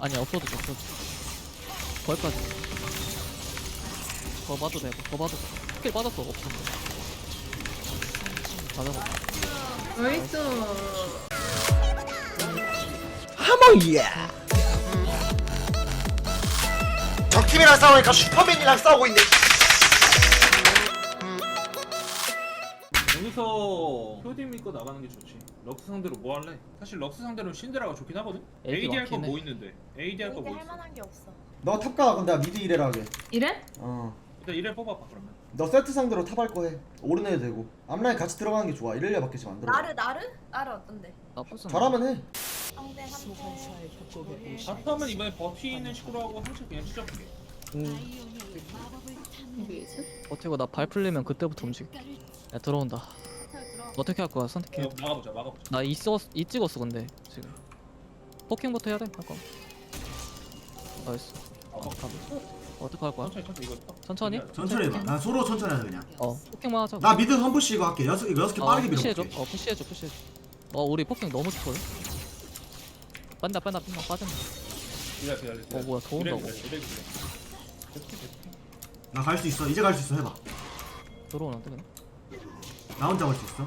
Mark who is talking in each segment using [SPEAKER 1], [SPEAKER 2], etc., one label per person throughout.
[SPEAKER 1] 아니 없어도 돼 없어도 돼. 거기까지 더 봐도 되고 더 봐도 돼. 스킬 빠졌어 없어 맞아
[SPEAKER 2] 나이스.
[SPEAKER 3] 하몽이야. 적팀이랑 싸우니까 슈퍼맨이랑 싸우고 있네.
[SPEAKER 4] 여기서 효디 믿고 나가는 게 좋지. 럭스 상대로 뭐 할래? 사실 럭스 상대로 신데라가 좋긴 하거든?
[SPEAKER 1] AD
[SPEAKER 4] AD 할 건
[SPEAKER 1] 많긴
[SPEAKER 4] 뭐
[SPEAKER 1] 해.
[SPEAKER 4] 있는데? AD 할 거 뭐
[SPEAKER 5] 할
[SPEAKER 4] 있어?
[SPEAKER 5] 만한 게 없어.
[SPEAKER 6] 너 탑가. 그럼 내가 미드 이래라 하게.
[SPEAKER 2] 이래?
[SPEAKER 4] 일단 이래 뽑아봐 그러면.
[SPEAKER 6] 너 세트 상대로 탑 할 거 해. 오른해도 되고. 앞라인 같이 들어가는 게 좋아. 이럴려밖에 지금 안 들어.
[SPEAKER 5] 나르 어떤데?
[SPEAKER 1] 나쁘지
[SPEAKER 6] 잘하면 해.
[SPEAKER 5] 상대 3대.
[SPEAKER 4] 바텀은 이번에 버티는 식으로 하고 한쪽 그냥 찢어볼게.
[SPEAKER 1] 버티고 나 발 풀리면 그때부터 움직여 야 들어온다 어떻게 할 거야 선택해
[SPEAKER 4] 막아보자.
[SPEAKER 1] 나 이 찍었어 근데 지금 포킹부터 해야 돼 할거 나이스 어떻게 할 거야? 천천히?
[SPEAKER 7] 천천히 해봐. 난 소로 천천히 하자 그냥.
[SPEAKER 1] 포킹만 하자
[SPEAKER 7] 나 미드 선푸시 이거 할게. 이거 6개 빠르게
[SPEAKER 1] 푸시해줘
[SPEAKER 7] 밀어볼게.
[SPEAKER 1] 푸시해줘 우리 포킹 너무 좋거든 빠진다 빠진다
[SPEAKER 4] 기다려.
[SPEAKER 1] 뭐야 더 온다고
[SPEAKER 7] 나 갈 수 있어. 이제 갈 수 있어. 해봐.
[SPEAKER 1] 들어오는데 그냥
[SPEAKER 7] 나 혼자 갈 수 있어.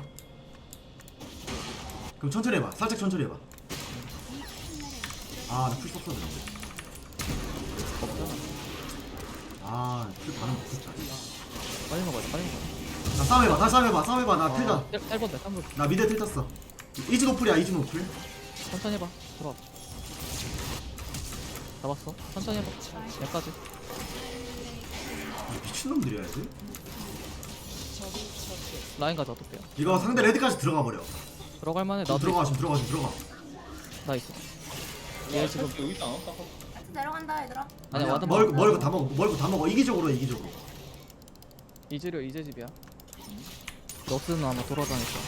[SPEAKER 7] 그럼 천천히 해봐. 살짝 천천히 해봐. 아, 나풀 썼어 그래. 아, 풀 반응 못했다.
[SPEAKER 1] 빨리 먹어야 돼
[SPEAKER 7] 나 싸움 해봐. 다 싸움 해봐. 나 틀자.
[SPEAKER 1] 1번 돼 3번
[SPEAKER 7] 나 미드 틀 tas어. 이즈 노플이야. 이즈 노플.
[SPEAKER 1] 천천히 해봐 들어와 잡았어 천천히 해봐 여기까지
[SPEAKER 7] 미친놈들이야 애들.
[SPEAKER 1] 라인 가자 어떡해요
[SPEAKER 7] 이거 상대 레드까지 들어가 버려.
[SPEAKER 1] 들어갈 만해
[SPEAKER 7] 지금
[SPEAKER 1] 나도
[SPEAKER 7] 들어가.
[SPEAKER 1] 나 있어 얘 지금
[SPEAKER 4] 여기 있다.
[SPEAKER 5] 내려간다 얘들아.
[SPEAKER 1] 아니야 와드
[SPEAKER 7] 멀고 다 먹어. 이기적으로.
[SPEAKER 1] 이즈려 이제집이야 럭스는 아마 돌아다녔어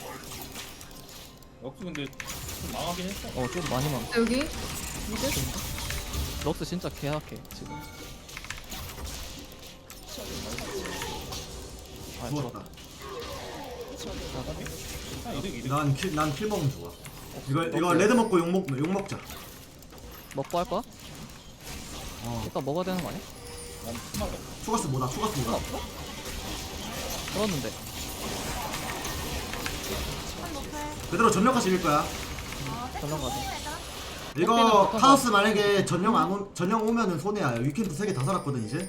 [SPEAKER 4] 럭스 근데 좀 망하긴 했어.
[SPEAKER 1] 좀 많이 망
[SPEAKER 2] 여기?
[SPEAKER 1] 럭스 진짜 개약해 지금 아
[SPEAKER 7] 죽었다.
[SPEAKER 4] 이득.
[SPEAKER 7] 난킬 먹으면 좋아. 이거 레드 먹고 욕 먹자.
[SPEAKER 1] 먹고 할 거야? 일단 먹어야 되는 거 아니야?
[SPEAKER 7] 추가스 뭐다.
[SPEAKER 1] 들었는데
[SPEAKER 7] 그대로 전력까지 밀 거야.
[SPEAKER 1] 전령 가자
[SPEAKER 7] 이거 카오스 만약에 전령 오면은 손해야. 위켄드 3개 다 살았거든 이제.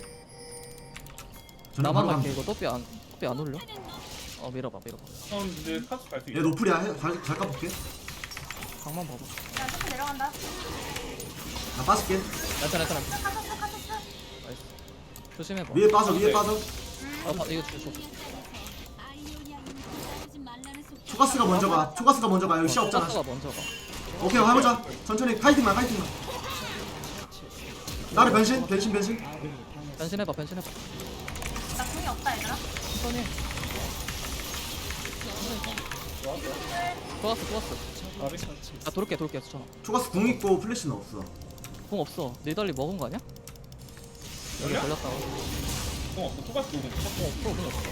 [SPEAKER 7] 전령
[SPEAKER 1] 나만
[SPEAKER 7] 바로
[SPEAKER 1] 갈게
[SPEAKER 7] 가면
[SPEAKER 1] 이거 또삐 안 올려? 밀어봐
[SPEAKER 4] 근데 카스 갈수
[SPEAKER 7] 얘
[SPEAKER 4] 있어.
[SPEAKER 7] 노플이야. 잘 까볼게.
[SPEAKER 1] 강만 봐봐
[SPEAKER 5] 야 조금 내려간다.
[SPEAKER 7] 나 빠질게.
[SPEAKER 1] 괜찮아
[SPEAKER 5] 카토스.
[SPEAKER 1] 나이스 조심해봐
[SPEAKER 7] 위에 빠져.
[SPEAKER 1] 이거 줘
[SPEAKER 7] 추가스가 먼저 가. 여기 시 없잖아.
[SPEAKER 1] 가스가 먼저 가
[SPEAKER 7] 오케이 해보자. 천천히 파이팅만. 나를 변신.
[SPEAKER 1] 변신해봐
[SPEAKER 5] 나 궁이 없다 얘들아.
[SPEAKER 1] 천천히 좋았어 아 돌게 수천아
[SPEAKER 7] 추가스 궁 있고 플래시는 없어.
[SPEAKER 1] 공 없어 니달리 먹은 거 아니야? 여기 걸렸다고
[SPEAKER 4] 없어. 토가스 누구?
[SPEAKER 1] 공 없어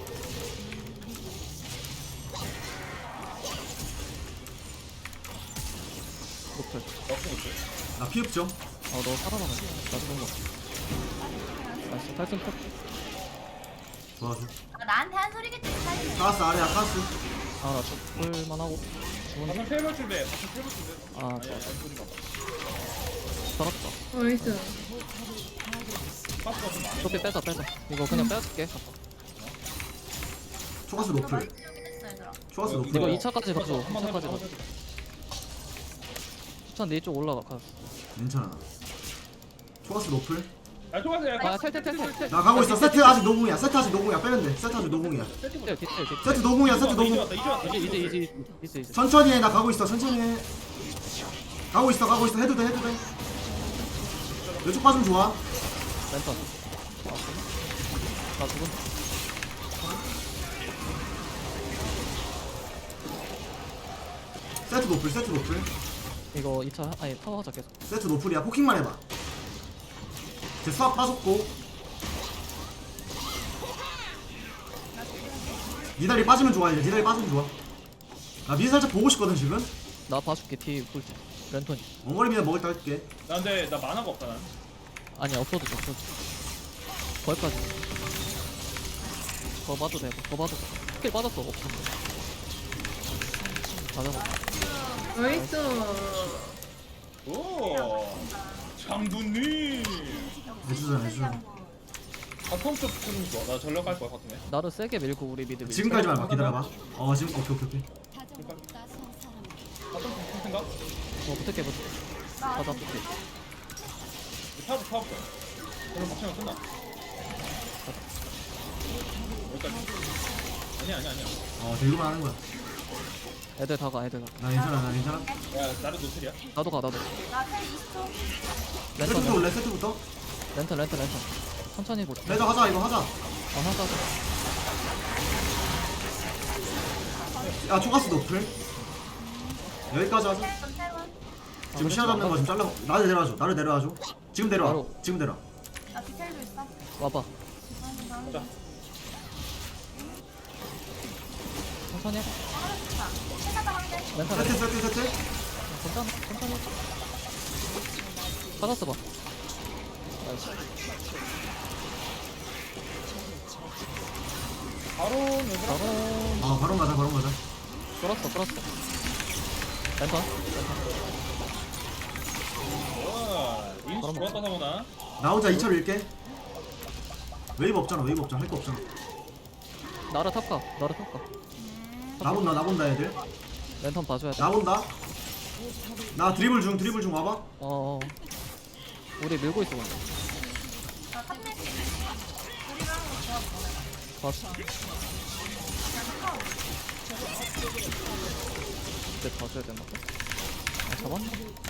[SPEAKER 1] 노플
[SPEAKER 7] 나 피 없죠.
[SPEAKER 1] 너 살아나가 나 좋은 거 나이스 탈진 탑
[SPEAKER 7] 도와줘.
[SPEAKER 5] 나한테 한 소리겠지 살리네.
[SPEAKER 7] 카스 아래야. 카스.
[SPEAKER 1] 아나 죽을만 하고 죽었네
[SPEAKER 4] 바텀 세번 준대.
[SPEAKER 1] 아
[SPEAKER 4] 아니야.
[SPEAKER 1] 좋아
[SPEAKER 4] 안 소리가 봐.
[SPEAKER 1] 살았다
[SPEAKER 2] 나이스.
[SPEAKER 4] 카스가 좀 많아.
[SPEAKER 1] 조피 빼자 이거 그냥 빼줄게
[SPEAKER 7] 추가스 노플.
[SPEAKER 5] 여기 됐어 얘들아.
[SPEAKER 7] 추가스 노플.
[SPEAKER 1] 이거 2차까지 가줘
[SPEAKER 4] 한번
[SPEAKER 1] 2차까지
[SPEAKER 4] 해봐.
[SPEAKER 1] 가줘 추천 내쪽 올라가 가
[SPEAKER 7] 괜찮아. 추가스 노플.
[SPEAKER 4] 야 토가스야.
[SPEAKER 1] 텔
[SPEAKER 7] 나 가고 있어. 세트 아직 노궁이야. 빼면 돼. 세트 아직 노궁이야.
[SPEAKER 1] 디테일
[SPEAKER 7] 세트 노궁이야. 세트 노궁.
[SPEAKER 1] 이제
[SPEAKER 7] 천천히 해. 나 가고 있어. 천천히 해. 가고 있어. 해도 돼. 왼쪽 빠지면 좋아.
[SPEAKER 1] 랜턴 나 죽은
[SPEAKER 7] 세트 노플.
[SPEAKER 1] 이거 2차 아니 타워 하자 계속
[SPEAKER 7] 세트 노플이야. 포킹만 해봐. 제 수학 빠졌고. 니달리 빠지면 좋아. 나 미드 살짝 보고 싶거든 지금.
[SPEAKER 1] 나 봐줄게 뒤 볼지 랜턴.
[SPEAKER 7] 원거리면 먹을 때 할게.
[SPEAKER 4] 나 근데 나 만화가 없다 난.
[SPEAKER 1] 아니 없어도 돼, 없어도. 거기까지. 더 봐도 되고, 더 봐도 돼. 스킬 빠졌어, 없어. 맞아.
[SPEAKER 2] 나이스.
[SPEAKER 4] 오. 장군님.
[SPEAKER 7] 해주잖아.
[SPEAKER 4] 바텀 쪽 좀 좋아. 나 전력 갈 거야 바텀에.
[SPEAKER 1] 나를 세게 밀고 우리 미드 밀자.
[SPEAKER 7] 지금까지만 봐. 기다려봐. 지금 오케이.
[SPEAKER 4] 바텀 좀 생각.
[SPEAKER 1] 붙을게. 가자, 붙게.
[SPEAKER 4] 타워. 그럼 박치면 끝나. 여기까지. 아니야.
[SPEAKER 7] 들고만 하는 거야.
[SPEAKER 1] 애들 다가.
[SPEAKER 7] 나 괜찮아.
[SPEAKER 4] 야 나를 노틀이야.
[SPEAKER 1] 나도 가.
[SPEAKER 5] 나텔 20초.
[SPEAKER 7] 세트부터 올래, 세트부터.
[SPEAKER 1] 랜턴. 천천히 보자.
[SPEAKER 7] 레더 하자, 이거 하자.
[SPEAKER 1] 하자.
[SPEAKER 7] 야, 초가스 노플. 여기까지 하자. 지금 시야 잡는 거 좀 잘라. 나를 내려와줘. 지금 내려와.
[SPEAKER 1] 바로.
[SPEAKER 7] 지금 내려.
[SPEAKER 5] 나 디테일도 있어.
[SPEAKER 1] 와봐.
[SPEAKER 4] 자.
[SPEAKER 1] 천천히 해봐.
[SPEAKER 5] 좋다. 세가다 한 대.
[SPEAKER 1] 랜턴.
[SPEAKER 7] 세트.
[SPEAKER 1] 천천히. 받았어 봐. 나이스.
[SPEAKER 4] 바로 얘들아.
[SPEAKER 1] 바로
[SPEAKER 7] 바로 가자.
[SPEAKER 1] 끌었어. 랜턴.
[SPEAKER 4] 와. 인수
[SPEAKER 1] 바로
[SPEAKER 4] 좋았다 사모나.
[SPEAKER 7] 나 혼자 2차로 일게. 웨이브 없잖아. 할 거 없잖아.
[SPEAKER 1] 나를 탑가.
[SPEAKER 7] 나 본다, 애들.
[SPEAKER 1] 랜턴 봐줘야 돼.
[SPEAKER 7] 나 본다. 나 드리블 중 와봐.
[SPEAKER 1] 우리 밀고 있어 근데.
[SPEAKER 5] 나 탑넷. 우리랑 하는 거 좋아.
[SPEAKER 1] 봤어. 이제 봐줘야 되나 봐. 잡았나?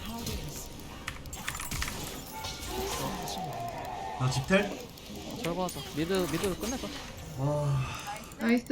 [SPEAKER 7] 나 집텔.
[SPEAKER 1] 철거하자. 미드를 끝내자.
[SPEAKER 2] 나이스.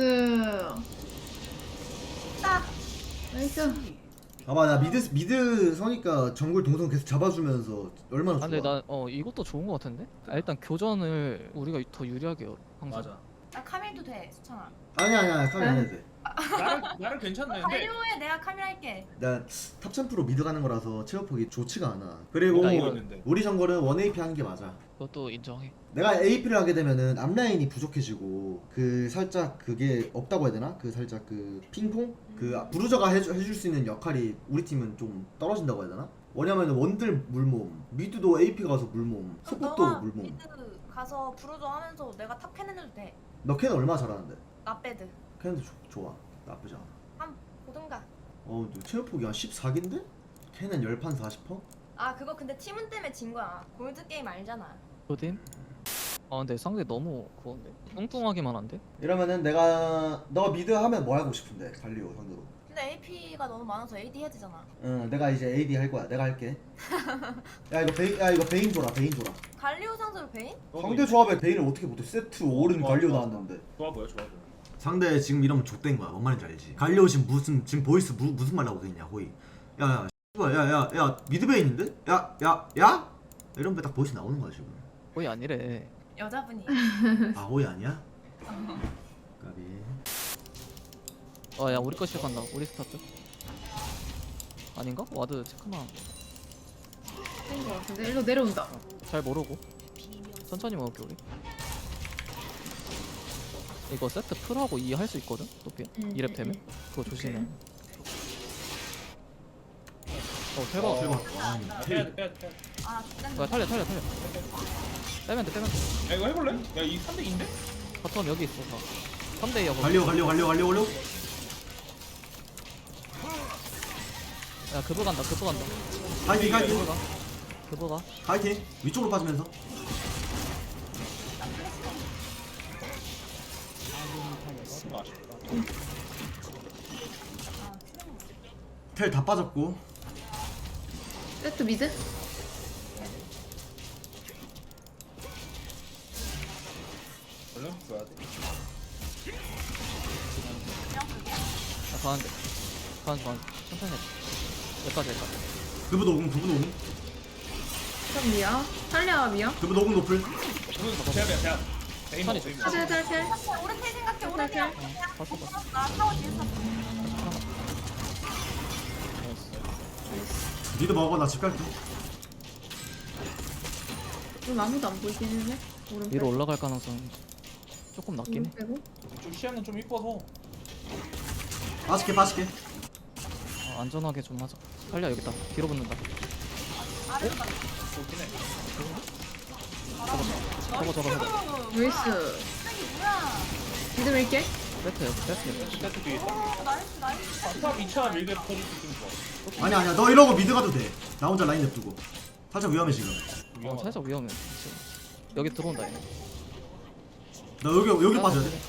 [SPEAKER 5] 딱.
[SPEAKER 2] 나이스.
[SPEAKER 6] 봐봐 나 미드 서니까 정글 동선 계속 잡아주면서 얼마나 좋아.
[SPEAKER 1] 근데 나 이것도 좋은 거 같은데? 일단 교전을 우리가 더 유리하게 해요 항상.
[SPEAKER 4] 맞아.
[SPEAKER 5] 나 카밀도 돼. 수찬아.
[SPEAKER 6] 아니야 카메라 안 해도 돼.
[SPEAKER 4] 나를 괜찮네. 근데
[SPEAKER 5] 관료에 내가 카밀 할게.
[SPEAKER 6] 나탑 챔프로 미드 가는 거라서 체력폭이 좋지가 않아. 그리고
[SPEAKER 1] 나 이거
[SPEAKER 4] 있는데.
[SPEAKER 6] 우리 정글은 1AP 하는 게 맞아.
[SPEAKER 1] 그것도 인정해.
[SPEAKER 6] 내가 AP를 하게 되면은 앞라인이 부족해지고 그 살짝 그게 없다고 해야 되나? 그 살짝 그 핑퐁? 그 브루저가 해줄 수 있는 역할이 우리 팀은 좀 떨어진다고 해야 되나? 왜냐면은 원들 물몸, 미드도 AP 가서 물몸, 속국도
[SPEAKER 5] 너가
[SPEAKER 6] 물몸.
[SPEAKER 5] 미드 가서 부르조 하면서 내가 탑 캐는 해도 돼.
[SPEAKER 6] 너 캔 얼마나 잘하는데?
[SPEAKER 5] 나 빼드.
[SPEAKER 6] 캔도 좋아. 나쁘지 않아.
[SPEAKER 5] 한 보든가.
[SPEAKER 6] 너 체력폭이 한 14기인데? 캔은 10판 40퍼?
[SPEAKER 5] 아 그거 근데 팀은 때문에 진 거야. 골드 게임 알잖아.
[SPEAKER 1] 조딘? 근데 상대 너무 그건데 뚱뚱하기만 한데?
[SPEAKER 6] 이러면은 너 미드 하면 뭐 하고 싶은데? 갈리오 상대로.
[SPEAKER 5] 근데 AP가 너무 많아서 AD 해야 되잖아.
[SPEAKER 6] 응, 내가 이제 AD 할 거야. 내가 할게. 이거 베인 줘라.
[SPEAKER 5] 갈리오 상대로 베인?
[SPEAKER 6] 상대 조합에 베인을 어떻게 못해? 세트 5른 갈리오 나왔는데.
[SPEAKER 4] 좋아 보여.
[SPEAKER 7] 상대 지금 이러면 족된 거야. 뭔 말인지 알지? 갈리오 지금 보이스 무슨 말 하고 있냐 호이. 야 미드베인인데? 야 이러면 딱 보이스 나오는 거야 지금.
[SPEAKER 1] 거의 아니래.
[SPEAKER 5] 여자분이.
[SPEAKER 7] 호이 아니야? 까비.
[SPEAKER 1] 야 우리 거 시작한다. 우리 스타트. 아닌가? 와드 체크만.
[SPEAKER 2] 된거 같은데 일로 내려온다.
[SPEAKER 1] 잘 모르고. 천천히 먹을게 우리. 이거 세트 풀하고 2 할 수 있거든? 또피 2렙 되면? 그거 조심해. 대박.
[SPEAKER 4] 빼야 돼.
[SPEAKER 5] 아 죽겠네.
[SPEAKER 1] 뭐야 탈려. 빼면 돼.
[SPEAKER 4] 야 이거 해볼래? 야이 3대 2인데?
[SPEAKER 1] 바텀 여기 있어. 3대2야 거기.
[SPEAKER 7] 갈리오.
[SPEAKER 1] 야 그브 간다.
[SPEAKER 7] 파이팅.
[SPEAKER 1] 그브 가.
[SPEAKER 7] 파이팅. 위쪽으로 빠지면서.
[SPEAKER 4] 아쉽다.
[SPEAKER 7] 텔 다 빠졌고.
[SPEAKER 2] 세트 미드.
[SPEAKER 4] 얼른 줘야 돼.
[SPEAKER 1] 가는데. 천천히 해. 여기까지.
[SPEAKER 7] 그브 녹음.
[SPEAKER 2] 그럼 미야. 탈리아 미야.
[SPEAKER 7] 그브 녹음 높을.
[SPEAKER 4] 대야. 베인
[SPEAKER 1] 찬이
[SPEAKER 4] 베인.
[SPEAKER 2] 탈.
[SPEAKER 5] 오른텔 생각해. 오른텔.
[SPEAKER 1] 봤어.
[SPEAKER 5] 나 타워 뒤에서.
[SPEAKER 1] 나이스.
[SPEAKER 7] 니도 먹어 나 집 갈게.
[SPEAKER 2] 좀 아무도 안 보이긴 해. 오른
[SPEAKER 1] 위로 올라갈 가능성 조금 낮긴 해.
[SPEAKER 2] 빼고.
[SPEAKER 4] 좀 시야는 좀 이뻐서.
[SPEAKER 7] 빠질게 빠질게.
[SPEAKER 1] 안전하게 좀 하자. 탈리아 여기 있다. 뒤로 붙는다.
[SPEAKER 4] 좋긴 해.
[SPEAKER 1] 저거.
[SPEAKER 2] 루이스.
[SPEAKER 5] 이게 뭐야?
[SPEAKER 2] 미드 밀게.
[SPEAKER 1] 세트 여기 세트.
[SPEAKER 4] 세트 뒤에.
[SPEAKER 5] 나이스 나이스.
[SPEAKER 4] 탑 2차 밀게 터질 수 있으면 좋아.
[SPEAKER 7] 아니야 너 이러고 미드 가도 돼. 나 혼자 라인 냅두고. 살짝 위험해 지금.
[SPEAKER 1] 살짝 위험해. 지금. 여기 들어온다 얘.
[SPEAKER 7] 나 여기 빠져야 돼.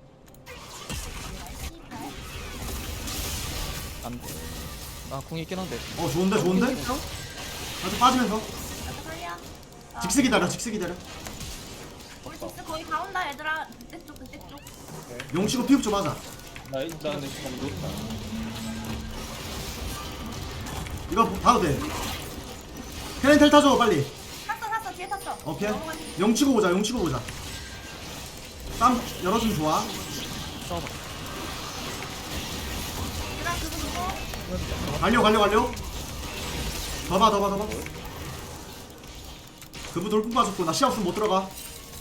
[SPEAKER 1] 안 돼. 궁 있긴 한데.
[SPEAKER 7] 좋은데 좋은데?
[SPEAKER 2] 있어?
[SPEAKER 7] 살짝 빠지면서.
[SPEAKER 5] 살려.
[SPEAKER 7] 직스 기다려 직스 기다려.
[SPEAKER 5] 우리 디스 거의 다 온다 얘들아. 그때 쪽 그때 쪽.
[SPEAKER 7] 용치고 피흡 좀 하자.
[SPEAKER 4] 나 근데 지금 놓다.
[SPEAKER 7] 이거 봐도 돼. 캐렌텔 타줘 빨리.
[SPEAKER 5] 탔어 뒤에 탔어.
[SPEAKER 7] 오케이.
[SPEAKER 5] 넘어가니.
[SPEAKER 7] 용치고 보자. 쌈 열어주면 좋아.
[SPEAKER 1] 싸워봐.
[SPEAKER 5] 얘들아 그거
[SPEAKER 7] 갈려. 더 봐. 그부 돌풍 빠졌고 나 시야 없으면 못 들어가.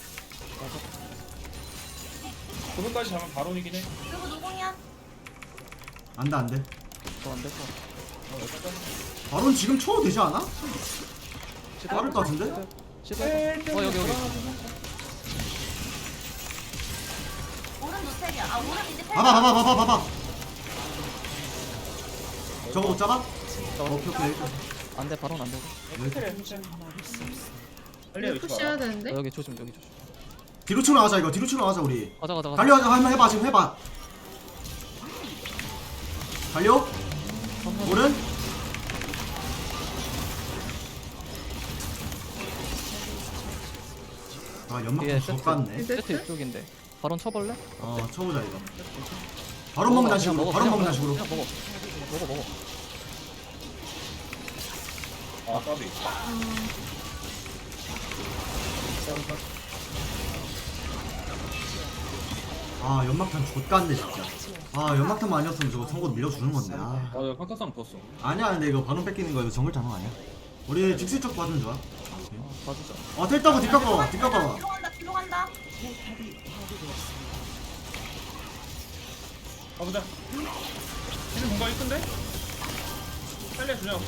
[SPEAKER 4] 그분까지 잡으면 바론이긴 해.
[SPEAKER 5] 그거 노공이야.
[SPEAKER 7] 안 돼.
[SPEAKER 1] 더안될 것 같아.
[SPEAKER 7] 바론 지금 쳐도 되지 않아? 빠를 것 같은데?
[SPEAKER 1] 시도해봐. 여기.
[SPEAKER 5] 오른 노텔이야. 오른 이제 텔.
[SPEAKER 7] 봐봐. 저거 못 잡아? 오케이.
[SPEAKER 1] 안돼 바로는 안 되고.
[SPEAKER 4] 호텔에 호텔. 빨리 여기
[SPEAKER 2] 푸시해야
[SPEAKER 4] 봐.
[SPEAKER 2] 되는데.
[SPEAKER 1] 여기 조심.
[SPEAKER 7] 뒤로 치고 나가자 이거. 뒤로 치고 나가자 우리.
[SPEAKER 1] 가자.
[SPEAKER 7] 달려 한번 해봐 지금 해봐. 달려. 오른. 연막
[SPEAKER 1] 뒤에
[SPEAKER 7] 좀 족같네.
[SPEAKER 1] 세트 이쪽인데. 바론 쳐볼래?
[SPEAKER 7] 쳐보자 이거. 바로 먹는다는 식으로.
[SPEAKER 1] 그냥 먹어.
[SPEAKER 7] 먹어.
[SPEAKER 4] 아 까비.
[SPEAKER 7] 연막탄 족같네 진짜. 연막탄만 아니었으면 저거 선고 밀려주는 건데.
[SPEAKER 4] 나 판타상 봤어.
[SPEAKER 7] 아니야 근데 이거 반응 뺏기는 거 이거 정글 장난 아니야. 우리 직스 쪽 받으면 좋아.
[SPEAKER 1] 봐주자.
[SPEAKER 7] 텔타고 뒷깎아.
[SPEAKER 5] 뒤로 간다.
[SPEAKER 4] 가보자. 지금 뭔가 이쁜데? 빨리 주냐고.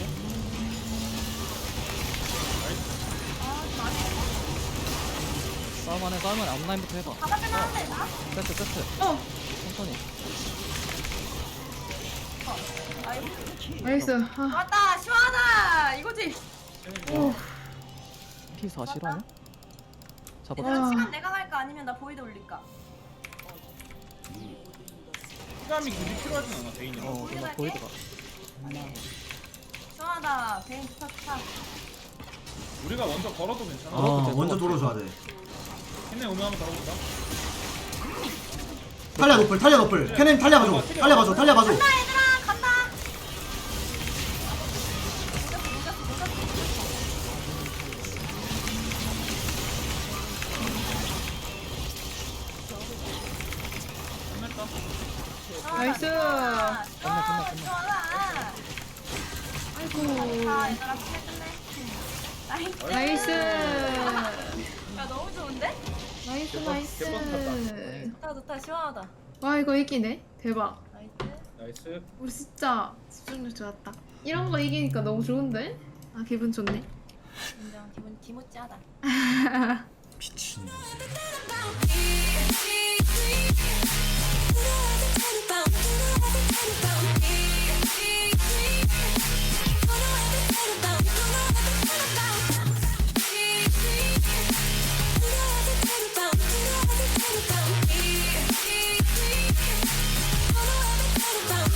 [SPEAKER 1] 싸움안에 앞라인부터 해봐.
[SPEAKER 5] 바다 빼면 안 돼. 나?
[SPEAKER 1] 세트. 천천히.
[SPEAKER 2] 나이스.
[SPEAKER 5] 왔다 시원하다. 이거지.
[SPEAKER 1] P4 실화냐? 잡아.
[SPEAKER 5] 얘들아 시간 내가 갈까 아니면 나 보이드 올릴까?
[SPEAKER 4] 시간이 굳이 필요하진 않아 대인이랑.
[SPEAKER 1] 누나 보이드가.
[SPEAKER 5] 시원하다. 베인 좋다.
[SPEAKER 4] 우리가 먼저 걸어도 괜찮아.
[SPEAKER 7] 먼저 돌아줘야 돼.
[SPEAKER 4] 걔네 오면 한번 걸어볼까?
[SPEAKER 7] 탈리아 노플. 캐넨 탈리아 봐줘.
[SPEAKER 5] 간다 얘들아 간다.
[SPEAKER 2] 나이스.
[SPEAKER 5] 시원하다.
[SPEAKER 2] 아이고.
[SPEAKER 5] 얘들아 끝내.
[SPEAKER 2] 나이스.
[SPEAKER 5] 야 너무 좋은데?
[SPEAKER 2] 나이스.
[SPEAKER 5] 좋다 시원하다.
[SPEAKER 2] 와 이거 이기네. 대박.
[SPEAKER 5] 나이스.
[SPEAKER 4] 나이스.
[SPEAKER 2] 우리 진짜 집중력 좋았다. 이런 거 이기니까 너무 좋은데? 기분 좋네.
[SPEAKER 5] 인정. 기분 기모찌하다.
[SPEAKER 7] 미친.
[SPEAKER 8] She